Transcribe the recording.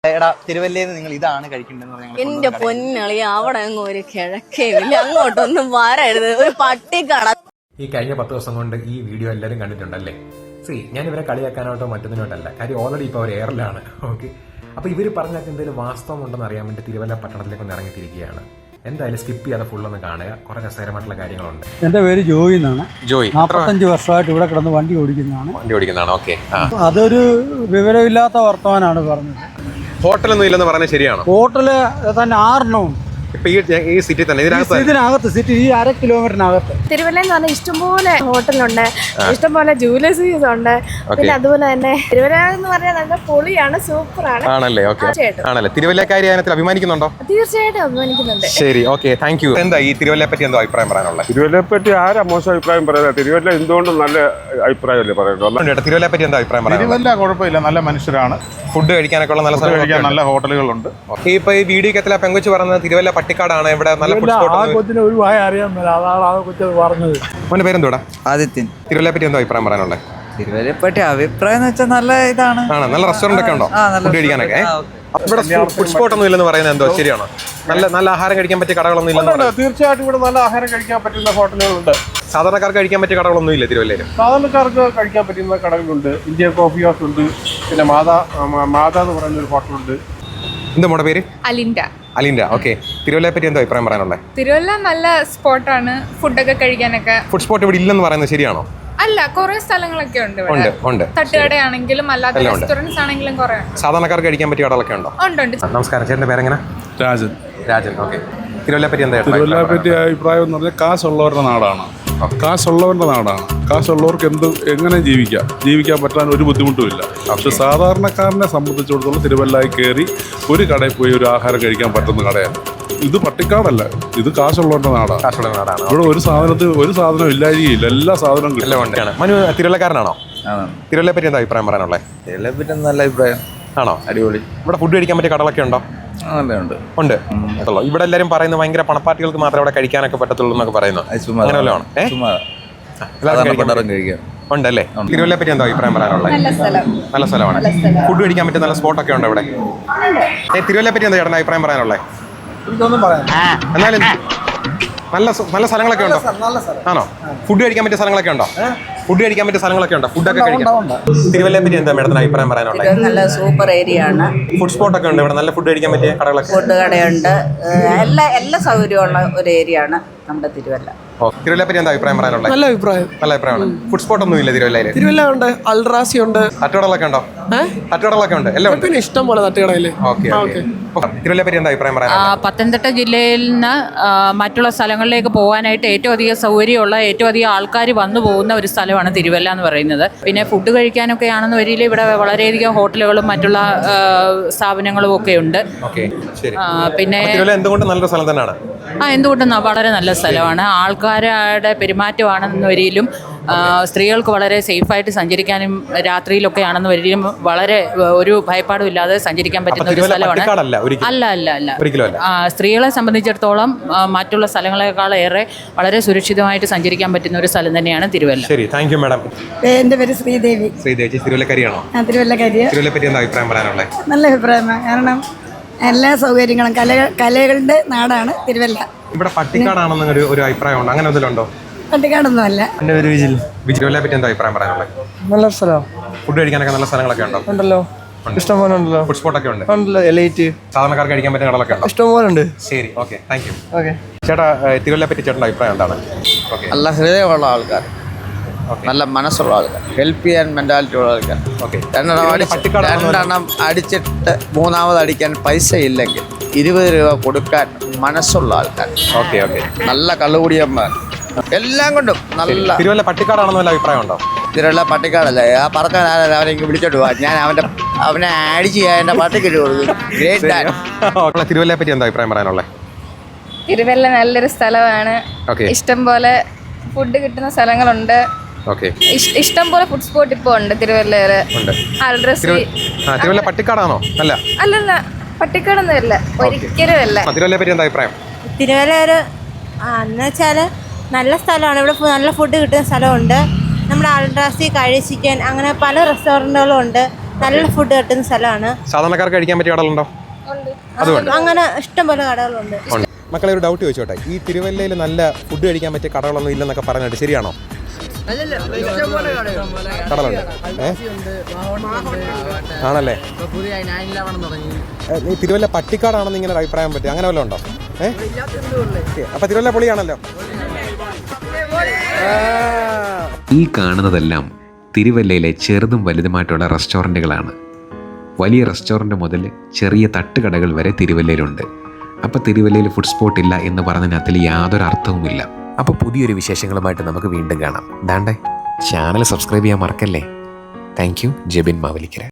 എടാ തിരുവല്ലയിൽ നിങ്ങൾ ഇതാണ് കഴിക്കേണ്ടത്. എന്റെ പൊന്നളി അവിടെ അങ്ങ് ഒരു കിഴക്കേവില്ല, അങ്ങോട്ടൊന്നും വരരുത്. ഒരു പട്ടിക്കട. ഈ കഴിഞ്ഞ 10 ദിവസം കൊണ്ട് ഈ വീഡിയോ എല്ലാവരും കണ്ടിട്ടുണ്ടല്ലേ? ഞാൻ ഇവരെ കളിയാക്കാനായിട്ടോ മറ്റൊന്നിനോട്ടല്ല, കാര്യം ഓൾറെഡി ഇപ്പോൾ അവർ എയറിലാണ്. ഓക്കെ, അപ്പോൾ ഇവർ പറഞ്ഞാൽ എന്തെങ്കിലും വാസ്തവം ഉണ്ടെന്ന് അറിയാൻ വേണ്ടി തിരുവല്ല പട്ടണത്തിലേക്ക് ഒന്ന് ഇറങ്ങിത്തിരിക്കുകയാണ്. എന്തായാലും സ്കിപ്പ് ചെയ്യാതെ ഫുള്ളൊന്ന് കാണുക, കുറെ രസകരമായിട്ടുള്ള കാര്യങ്ങളുണ്ട്. എന്റെ പേര് ജോയി എന്നാണ്. ജോയി 45 വർഷമായിട്ട് ഇവിടെ കിടന്ന് വണ്ടി ഓടിക്കുന്നതാണ്. ഓക്കെ, അതൊരു വിവരമില്ലാത്ത വർത്തമാനാണ് പറഞ്ഞത്. ഹോട്ടലൊന്നും ഇല്ലെന്ന് പറഞ്ഞാൽ ശരിയാണോ? ഹോട്ടല് തന്നെ 6 ഇപ്പൊ ഈ സിറ്റി തന്നെ ഇതിനകത്ത് സിറ്റി ഈ 1/2 കിലോമീറ്ററിനകത്ത്. തിരുവല്ല എന്ന് പറഞ്ഞാൽ ഇഷ്ടംപോലെ ഹോട്ടലുണ്ട്, ഇഷ്ടംപോലെ ജുവലേഴ്സീസ് ഉണ്ട്. പിന്നെ അതുപോലെ തന്നെ തിരുവല്ല എന്ന് പറഞ്ഞാൽ നല്ല പൊളിയാണ്, സൂപ്പറാണ്. ആണല്ലേ? ഓക്കെ, ആണല്ലേ? തിരുവല്ലക്കാരി അതിനകത്ത് അഭിമാനിക്കുന്നുണ്ടോ? തീർച്ചയായിട്ടും അഭിമാനിക്കുന്നുണ്ട്. ശരി, ഓക്കെ, താങ്ക് യു. എന്താ ഈ തിരുവല്ലയെ പറ്റി എന്തോ അഭിപ്രായം പറയാനുള്ളത്? തിരുവല്ലയെ പറ്റി ആരാ മോശം അഭിപ്രായം പറയുന്നത്? തിരുവല്ല എന്തുകൊണ്ടും നല്ല അഭിപ്രായമല്ലേ പറയുന്നത്. തിരുവല്ലയെ പറ്റി എന്താ അഭിപ്രായം പറയാം? തിരുവല്ല കുഴപ്പമില്ല, നല്ല മനുഷ്യരാണ്. ഫുഡ് കഴിക്കാനൊക്കെ ഉള്ള നല്ല ഹോട്ടലുകളുണ്ട്. ഇപ്പൊ ഈ വീഡിയോ എത്തില പെങ്കൊച്ച് പറഞ്ഞത് തിരുവല്ല പട്ടിക്കാടാണ്, ഇവിടെ നല്ല ഫുഡ് സ്പോട്ട്. അവന്റെ പേരെന്തോടാ? ആദിത്യൻ. തിരുവല്ലയെ പറ്റി എന്തോ അഭിപ്രായം പറയാനുള്ളത്? തിരുവല്ലയെ പറ്റി അഭിപ്രായം എന്ന് വെച്ചാൽ നല്ല ഇതാണ്. നല്ല റെസ്റ്റോറന്റ് ഒക്കെ ഉണ്ടോ ഫുഡ് കഴിക്കാനൊക്കെ? ഇവിടെ ഫുഡ് സ്പോട്ട് ഒന്നും ഇല്ലെന്ന് പറയുന്നത് എന്തോ ശരിയാണോ? നല്ല ആഹാരം കഴിക്കാൻ പറ്റിയ കടകളൊന്നും ഇല്ലെന്ന്? തീർച്ചയായിട്ടും ഇവിടെ നല്ല ആഹാരം കഴിക്കാൻ പറ്റുന്ന ഹോട്ടലുകളുണ്ട്. സാധാരണക്കാർക്ക് കഴിക്കാൻ പറ്റിയ കടകളൊന്നും ഇല്ല തിരുവല്ലയിൽ? സാധാരണക്കാർക്ക് കഴിക്കാൻ പറ്റുന്ന കടകളുണ്ട്. ഇന്ത്യൻ കോഫി ഹൗസ് ഉണ്ട്, പിന്നെ മാതാ എന്ന് പറയുന്ന ഒരു ഹോട്ടലുണ്ട്. എന്താ മോടെ പേര്? അലിൻഡ. ഓക്കെ, തിരുവല്ലയെ പറ്റി എന്തോ അഭിപ്രായം പറയാനുള്ളത്? തിരുവല്ല നല്ല സ്പോട്ടാണ് ഫുഡൊക്കെ കഴിക്കാനൊക്കെ. ഫുഡ് സ്പോട്ട് ഇവിടെ ഇല്ലെന്ന് പറയുന്നത് ശരിയാണോ? അല്ല, കുറെ സ്ഥലങ്ങളൊക്കെ ഉണ്ട്. ഉണ്ട്. തട്ടുകടയാണെങ്കിലും അല്ലാത്ത റെസ്റ്റോറൻറ്റ്സ് ആണെങ്കിലും കുറെ. സാധാരണക്കാർക്ക് കഴിക്കാൻ പറ്റിയ കടകളൊക്കെ ഉണ്ടോ? ഉണ്ട്. നമസ്കാരം, ചേട്ടൻ്റെ പേരെങ്ങനെ? രാജൻ. ഓക്കെ, തിരുവല്ലയെ പറ്റി എന്താ? തിരുവല്ലയെ പറ്റി അഭിപ്രായം എന്ന് പറഞ്ഞാൽ കാശുള്ളവരുടെ നാടാണ്. കാശുള്ളവർക്ക് എങ്ങനെ ജീവിക്കാൻ പറ്റാൻ ഒരു ബുദ്ധിമുട്ടുമില്ല. പക്ഷെ സാധാരണക്കാരനെ സംബന്ധിച്ചിടത്തോളം തിരുവല്ലയിൽ കയറി ഒരു കടയിൽ പോയി ഒരു ആഹാരം കഴിക്കാൻ പറ്റുന്ന കടയാണ് ഇത്. പട്ടിക്കാടല്ല, ഇത് കാശുള്ളവരുടെ നാടാണ്. ഇവിടെ ഒരു സാധനം ഇല്ലായിരിക്കില്ല, എല്ലാ സാധനവും കിട്ടും. മനു തിരുവല്ലക്കാരനാണോ? തിരുവല്ലയെ പറ്റി എന്താ അഭിപ്രായം പറയാനുള്ളത്? തിരുവല്ലയെ പറ്റി നല്ല അഭിപ്രായം ആണോ? അടിപൊളി. ഇവിടെ ഫുഡ് കഴിക്കാൻ പറ്റിയ കടകളൊക്കെ ഉണ്ടോ? ഉണ്ട്. ഇവിടെ എല്ലാരും പറയുന്നത് ഭയങ്കര പണപ്പാർട്ടികൾക്ക് മാത്രമേ ഇവിടെ കഴിക്കാനൊക്കെ പറ്റത്തുള്ളൂ എന്നൊക്കെ പറയുന്നു. അങ്ങനെയല്ലോ ആണ്? ഉണ്ടല്ലേ? തിരുവല്ലയെ പറ്റി എന്താ അഭിപ്രായം പറയാനുള്ളത്? നല്ല സ്ഥലമാണ്. ഫുഡ് കഴിക്കാൻ പറ്റിയ നല്ല സ്പോട്ടൊക്കെ ഉണ്ടോ ഇവിടെ? തിരുവല്ലയെ പറ്റി എന്താ ചേട്ടൻ്റെ അഭിപ്രായം പറയാനുള്ളത്? എന്നാലും നല്ല സ്ഥലങ്ങളൊക്കെ ഉണ്ടോ? ആണോ? ഫുഡ് കഴിക്കാൻ പറ്റിയ സ്ഥലങ്ങളൊക്കെ ഉണ്ടോ? ഫുഡൊക്കെ കഴിക്കാം. തിരുവല്ലയെ പറ്റി എന്താ മേഡത്തിന് അഭിപ്രായം പറയാനുള്ളത്? നല്ല സൂപ്പർ ഏരിയ ആണ്. ഫുഡ് സ്പോട്ട് ഒക്കെ ഉണ്ട് ഇവിടെ, നല്ല ഫുഡ് കഴിക്കാൻ പറ്റിയ കടകളൊക്കെ? ഫുഡ് കടയുണ്ട്, എല്ലാ സൗകര്യമുള്ള ഒരു ഏരിയ ആണ് നമ്മുടെ തിരുവല്ല. തിരുവല്ലയെ പറ്റി എന്താ അഭിപ്രായം പറയാനുള്ളത്? നല്ല അഭിപ്രായമാണ്. ഫുഡ് സ്പോട്ട് ഒന്നും ഇല്ല തിരുവല്ലയിൽ? തിരുവല്ല ഉണ്ട്, അൽറാസി ഉണ്ട്, തട്ടുകടകളൊക്കെ ഉണ്ടോ? തട്ടുകടകളൊക്കെ ഉണ്ട്, എല്ലാം ഉണ്ട്. പിന്നെ ഇഷ്ടം പോലെ തട്ടുകടയില്. തിരുവല്ലയെ പറ്റി എന്താ അഭിപ്രായം പറയാനുള്ളത്? പത്തനംതിട്ട ജില്ലയിൽ നിന്ന് മറ്റുള്ള സ്ഥലങ്ങളിലേക്ക് പോകാനായിട്ട് ഏറ്റവും അധികം സൗകര്യമുള്ള, ഏറ്റവും അധികം ആൾക്കാർ വന്നു പോകുന്ന ഒരു സ്ഥലമാണ് തിരുവല്ല എന്ന് പറയുന്നത്. പിന്നെ ഫുഡ് കഴിക്കാനൊക്കെ ആണെന്ന് വരിയിൽ ഇവിടെ വളരെയധികം ഹോട്ടലുകളും മറ്റുള്ള സ്ഥാപനങ്ങളും ഒക്കെ ഉണ്ട്. പിന്നെ എന്തുകൊണ്ട് നല്ലൊരു സ്ഥലം തന്നെയാണ്? എന്തുകൊണ്ടും വളരെ നല്ല സ്ഥലമാണ്. ആൾക്കാരുടെ പെരുമാറ്റമാണെന്ന് വരിയിലും സ്ത്രീകൾക്ക് വളരെ സേഫായിട്ട് സഞ്ചരിക്കാനും രാത്രിയിലൊക്കെ ആണെന്ന് വരികയും വളരെ ഒരു ഭയപ്പാടും ഇല്ലാതെ സഞ്ചരിക്കാൻ പറ്റുന്ന ഒരു സ്ഥലമാണ്. അല്ല. സ്ത്രീകളെ സംബന്ധിച്ചിടത്തോളം മറ്റുള്ള സ്ഥലങ്ങളെക്കാളേറെ വളരെ സുരക്ഷിതമായിട്ട് സഞ്ചരിക്കാൻ പറ്റുന്ന ഒരു സ്ഥലം തന്നെയാണ് തിരുവല്ല. ശരി, താങ്ക് യു മാഡം. എൻ്റെ പേര് ശ്രീദേവി. തിരുവല്ലക്കാരിയാണോ? തിരുവല്ലക്കാരിയാണ്. തിരുവല്ലയെ പറ്റി എന്താ അഭിപ്രായം പറയാനുള്ളത്? നല്ല അഭിപ്രായമാണ്. കാരണം എല്ലാ സൗകര്യങ്ങളും കലകളുടെ നാടാണ് തിരുവല്ല. ഇവിടെ പട്ടിക്കാടാണെന്ന് ഒരു അഭിപ്രായം ഉണ്ട്, അങ്ങനെ എന്തെങ്കിലും? പട്ടിക്കാടൊന്നും അല്ല. എൻ്റെ പേര് വിജിൽ. തിരുവല്ലയെ പറ്റി എന്താ അഭിപ്രായം പറയാനുള്ളത്? നല്ല സ്ഥലം. ഫുഡ് കഴിക്കാനൊക്കെ നല്ല സ്ഥലങ്ങളൊക്കെ ഉണ്ടോ? ഉണ്ടല്ലോ, ഇഷ്ടംപോലെ ഉണ്ടല്ലോ. ഫുഡ് സ്പോട്ടൊക്കെ ഉണ്ട്. എലൈറ്റ് സാധാരണക്കാർക്ക് കഴിക്കാൻ പറ്റുന്ന കടകളൊക്കെ ഉണ്ടോ? ഇഷ്ടംപോലെ ഉണ്ട്. ശരി, ഓക്കെ, താങ്ക് യു. ചേട്ടാ, തിരുവല്ലയെ പറ്റി ചേട്ടൻ്റെ അഭിപ്രായം എന്താണ്? നല്ല ഹൃദയമുള്ള ആൾക്കാർ, നല്ല മനസ്സുള്ള ആൾക്കാർ, ഹെൽപ്പ് ചെയ്യാൻ മെന്റാലിറ്റി ഉള്ള ആൾക്കാർ. രണ്ടെണ്ണം അടിച്ചിട്ട് മൂന്നാമത് അടിക്കാൻ പൈസ ഇല്ലെങ്കിൽ 20 രൂപ കൊടുക്കാൻ മനസ്സുള്ള ആൾക്കാർ. നല്ല കള്ളുകുടിയന്മാർ, എല്ലാം കൊണ്ടും നല്ല. തിരുവല്ല പട്ടിക്കാടാണെന്ന് വല്ല അഭിപ്രായം ഉണ്ടോ? തിരുവല്ല പട്ടിക്കാടല്ല. ആ പറഞ്ഞ അവനെ വിളിച്ചോട്ട് പോവാ, ഞാൻ അവനെ ആഡ് ചെയ്യാൻ എൻ്റെ പട്ടിക്കിട്ട് കൊടുക്കും. തിരുവല്ലയെ പറ്റി എന്താ അഭിപ്രായം പറയാനുള്ളത്? തിരുവല്ല നല്ലൊരു സ്ഥലമാണ്. ഇഷ്ടം പോലെ ഫുഡ് കിട്ടുന്ന സ്ഥലങ്ങളുണ്ട്. ഇഷ്ടം പോലെ ഫുഡ് സ്പോട്ട് ഇപ്പൊ ഉണ്ട് തിരുവല്ലയില്. തിരുവല്ല പട്ടിക്കാടാണോ? അല്ലല്ല, പട്ടിക്കാടൊന്നും അല്ല, ഒരിക്കലും അല്ല. തിരുവല്ലയെ പറ്റി എന്താ അഭിപ്രായം? തിരുവല്ല ഒരു എന്ന് വെച്ചാല് നല്ല സ്ഥലമാണ്. ഇവിടെ നല്ല ഫുഡ് കിട്ടുന്ന സ്ഥലമുണ്ട്. നമ്മുടെ അൽറാസി, കഴിച്ചിക്കൻ, അങ്ങനെ പല റെസ്റ്റോറൻറ്റുകളും ഉണ്ട്. നല്ല ഫുഡ് കിട്ടുന്ന സ്ഥലമാണ്. സാധാരണക്കാർക്ക് കഴിക്കാൻ പറ്റിയ കടകളുണ്ടോ? അതുകൊണ്ട് അങ്ങനെ ഇഷ്ടം പോലെ കടകളുണ്ട്. മക്കളെ ഒരു ഡൗട്ട് ചോദിച്ചോട്ടെ, ഈ തിരുവല്ലയിൽ നല്ല ഫുഡ് കഴിക്കാൻ പറ്റിയ കടകളൊന്നും ഇല്ലെന്നൊക്കെ പറഞ്ഞിട്ട് ശരിയാണോ? കടകളുണ്ട്. ആണല്ലേ? നീ തിരുവല്ല പട്ടിക്കാടാണെന്ന് ഇങ്ങനെ ഒരു അഭിപ്രായം പറ്റി, അങ്ങനെ വല്ലതും ഉണ്ടോ? അപ്പൊ തിരുവല്ല പൊളിയാണല്ലോ. ഈ കാണുന്നതെല്ലാം തിരുവല്ലയിലെ ചെറുതും വലുതുമായിട്ടുള്ള റെസ്റ്റോറൻറ്റുകളാണ്. വലിയ റെസ്റ്റോറൻറ്റ് മുതൽ ചെറിയ തട്ടുകടകൾ വരെ തിരുവല്ലയിലുണ്ട്. അപ്പോൾ തിരുവല്ലയിൽ ഫുഡ് സ്പോട്ട് ഇല്ല എന്ന് പറഞ്ഞതിനകത്തിൽ യാതൊരു അർത്ഥവുമില്ല. അപ്പോൾ പുതിയൊരു വിശേഷങ്ങളുമായിട്ട് നമുക്ക് വീണ്ടും കാണാം. ദാണ്ടേ ചാനൽ സബ്സ്ക്രൈബ് ചെയ്യാൻ മറക്കല്ലേ. Thank you. ജെബിൻ മാവലിക്കര.